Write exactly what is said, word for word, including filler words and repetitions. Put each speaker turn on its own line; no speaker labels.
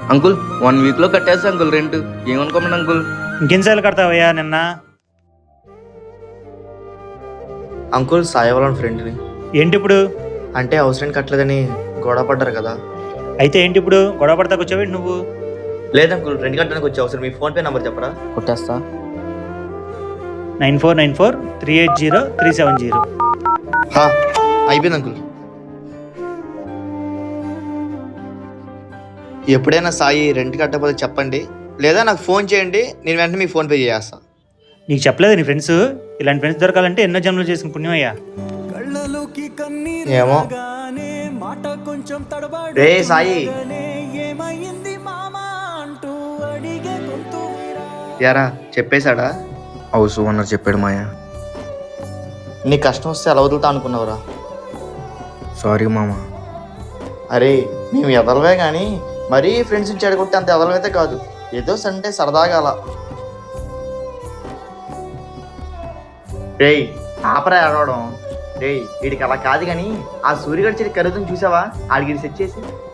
Uncle one వీక్లో కట్టేస్తా uncle rent. ఏమనుకోమండి అంకుల్.
ఇంకెన్నిసార్లు కడతావయ్యా నిన్న?
అంకుల్ సాయి వాళ్ళ ఫ్రెండ్ని.
ఏంటి ఇప్పుడు?
అంటే హౌస్ రెంట్ కట్టలేదని గొడవ పడ్డారు కదా.
అయితే ఏంటి ఇప్పుడు గొడవ పడతాకు వచ్చావేంటి నువ్వు?
లేదు అంకుల్, రెంట్ కట్టడానికి వచ్చే అవసరం. మీ ఫోన్పే నెంబర్ చెప్పరా?
కొట్టేస్తా.
Nine four nine four three eight zero three seven zero.
హా, అయిపోయింది అంకుల్. ఎప్పుడైనా సాయి రెంట్ కట్టకపోతే చెప్పండి, లేదా నాకు ఫోన్ చేయండి, నేను వెంటనే మీకు ఫోన్పే చేస్తా.
నీకు చెప్పలేదు నీ ఫ్రెండ్స్? ఇలాంటి ఫ్రెండ్స్ దొరకాలంటే ఎన్నో జన్మలు చేసిన పుణ్యమయ్యా.
ఏమో. రే సాయి, యారా చెప్పేశాడా?
హౌస్ ఓనర్ చెప్పాడు మాయా.
నీ కష్టం వస్తే ఎలా వదులుతా అనుకున్నావురా?
సారీ మామ.
అరే మేము ఎదలవే కానీ మరీ ఫ్రెండ్స్ని చెడగొట్టి అంత ఎదలవైతే కాదు. ఏదో సండే సరదాగా అలా. రేయ్ ఆపరా ఏడవడం. రేయ్ వీడికి అలా కాదు కానీ ఆ సూర్యగడి చెడి ఖరీదుని చూసావా? ఆడికి సెట్ చేసి